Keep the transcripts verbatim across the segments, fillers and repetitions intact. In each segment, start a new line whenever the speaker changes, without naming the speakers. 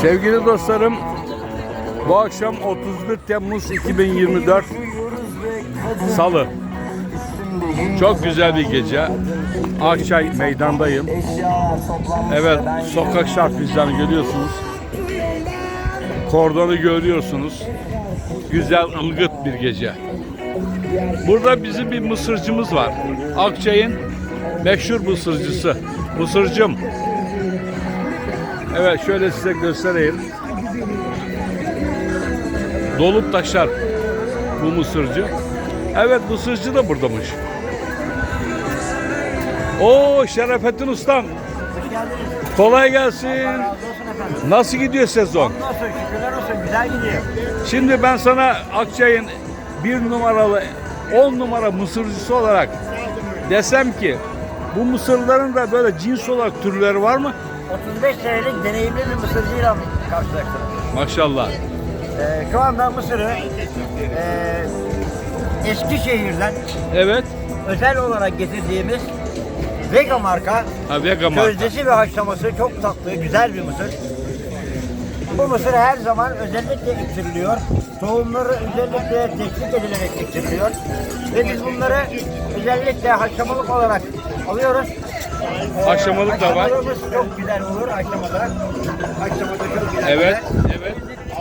Sevgili dostlarım, bu akşam otuz bir Temmuz iki bin yirmi dört Salı. Çok güzel bir gece. Akçay meydandayım. Evet, sokak şarkıcılarını görüyorsunuz. Kordonu görüyorsunuz. Güzel, ılgıt bir gece. Burada bizim bir mısırcımız var. Akçay'ın meşhur mısırcısı. Mısırcım. Evet, şöyle size göstereyim. Dolup taşar bu mısırcı. Evet, mısırcı da buradamış. Oo, Şerefettin Ustam. Kolay gelsin. Nasıl gidiyor sezon?
Şükürler olsun, güzel gidiyor.
Şimdi ben sana Akçay'ın bir numaralı, on numara mısırcısı olarak desem ki bu mısırların da böyle cins olarak türleri var mı?
otuz beş senelik deneyimli bir mısırcıyla karşılaştım.
Maşallah.
Ee, şu anda mısırı e, Eskişehir'den
Evet.
özel olarak getirdiğimiz Vega marka
Ha, Vega marka.
közdesi ve haşlaması çok tatlı, güzel bir mısır. Bu mısır her zaman özellikle ektiriliyor. Tohumları özellikle tetkik edilerek ektiriliyor. Ve biz bunları özellikle haşlamalık olarak alıyoruz.
Haşlamalık da var.
Haşlamalarımız çok güzel olur haşlamada. Haşlamada çok güzel.
Evet. Evet.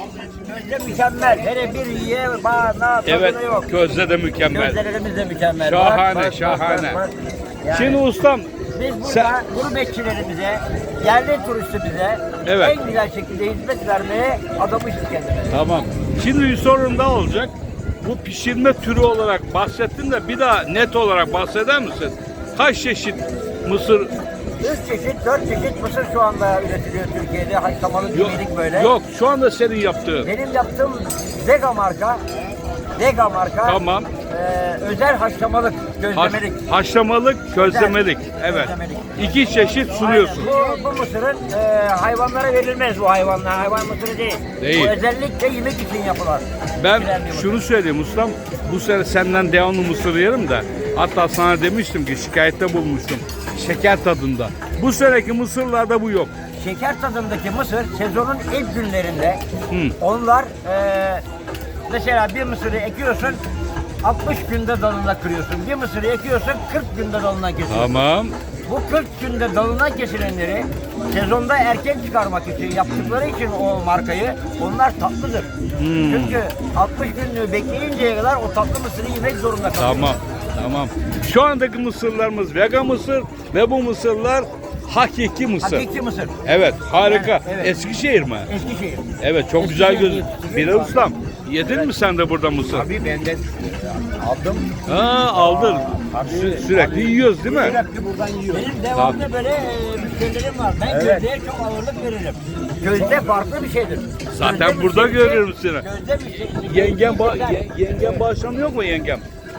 Közde mükemmel. Hele bir yiye bana
Evet.
tadına yok.
Közde de mükemmel.
Közdelerimiz de mükemmel.
Şahane,
Bak, bak,
şahane.
bak, bak. Yani
Şimdi ustam,
biz burada
sen-
gurbetçilerimize, yerli turistimize
Evet.
en güzel şekilde hizmet vermeye adamışız kendimize.
tamam. Şimdi bir sorun daha olacak. Bu pişirme türü olarak bahsettin de bir daha net olarak bahseder misin? Kaç çeşit mısır?
Üç çeşit, dört çeşit mısır şu anda üretiliyor Türkiye'de. Haşlamalı
Yok,
yemelik böyle.
yok şu anda senin yaptığın.
Benim yaptığım Vega marka, Vega marka
Tamam.
e, özel haşlamalık,
Haş-
gözlemelik.
haşlamalık, közlemelik. Evet.
Közlemelik.
İki çeşit sunuyorsun.
Aynen. Bu, bu mısırın e, hayvanlara verilmez bu hayvanlar. Hayvan mısırı değil.
Değil.
Bu özellikle yemek için yapılan.
Ben
pişirilen bir mısır.
şunu söyleyeyim ustam. Bu sene senden devamlı mısır yerim de. Hatta sana demiştim ki şikayette bulmuştum. Şeker tadında. Bu seneki mısırlarda bu yok.
Şeker tadındaki mısır sezonun ilk günlerinde
Hı.
onlar e, mesela bir mısırı ekiyorsun altmış günde dalına kırıyorsun. Bir mısırı ekiyorsun kırk günde dalına kesiyorsun.
Tamam.
Bu kırk günde dalına kesilenleri sezonda erken çıkarmak için yaptıkları için o markayı onlar tatlıdır.
Hmm.
Çünkü altmış günlüğü bekleyinceye kadar o tatlı mısırı yemek zorunda kalıyor.
Tamam. Tamam. Şu andaki mısırlarımız Vega mısır ve bu mısırlar hakiki mısır.
Hakiki mısır.
Evet, harika.
Yani, evet.
Eskişehir mi?
Eskişehir.
Evet, çok güzel
Eskişehir
gözüküyor.
yetiştiriyor.
Bilal ustam, yedin mi sen de burada mısır?
Abi benden aldım.
Ha, aldın.
Abi,
Sü- sürekli yiyoruz değil mi?
Sürekli buradan yiyorum. Benim devamlı böyle e, müşterilerim var. Ben
Evet.
közdeye çok ağırlık veririm. Közde farklı bir şeydir.
Zaten
Közde
burada
müşterisi-
görüyorum seni.
Közde müşterisi-
Yengem, ba
Güzel.
ye- yengem bağışlamıyor mu yengem?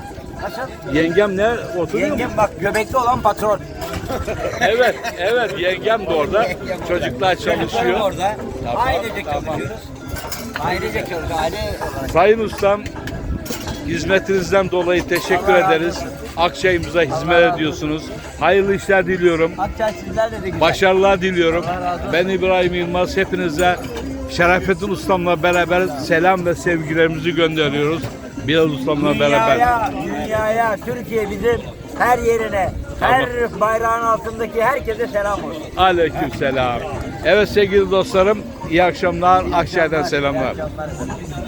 Nasıl?
Yengem ne? Oturuyor mu?
Yengem bak göbekli olan patron.
Evet, evet yengem de orada.
Yengem
Çocuklar
Çocuklarım
çalışıyor.
orada.
Tamam,
Ailece
tamam.
çalışıyoruz. Ailece çalışıyoruz. Aile olarak.
Sayın ustam, hizmetinizden dolayı teşekkür
Allah razı
ederiz.
olsun.
Akçayımıza hizmet
Allah razı
ediyorsunuz. Hayırlı işler diliyorum.
Akçay sizlerle de güzel.
Başarılar diliyorum.
Allah razı olsun.
Ben İbrahim Yılmaz. Hepinize Şerefettin Ustam'la beraber selam ve sevgilerimizi gönderiyoruz. Bilal Ustam'la beraber.
Dünyaya, dünyaya, Türkiye bizim her yerine, her bayrağın altındaki herkese selam olsun.
Aleyküm selam. Evet sevgili dostlarım, iyi akşamlar. Akçay'dan
İyi
selamlar.
akşamlar efendim.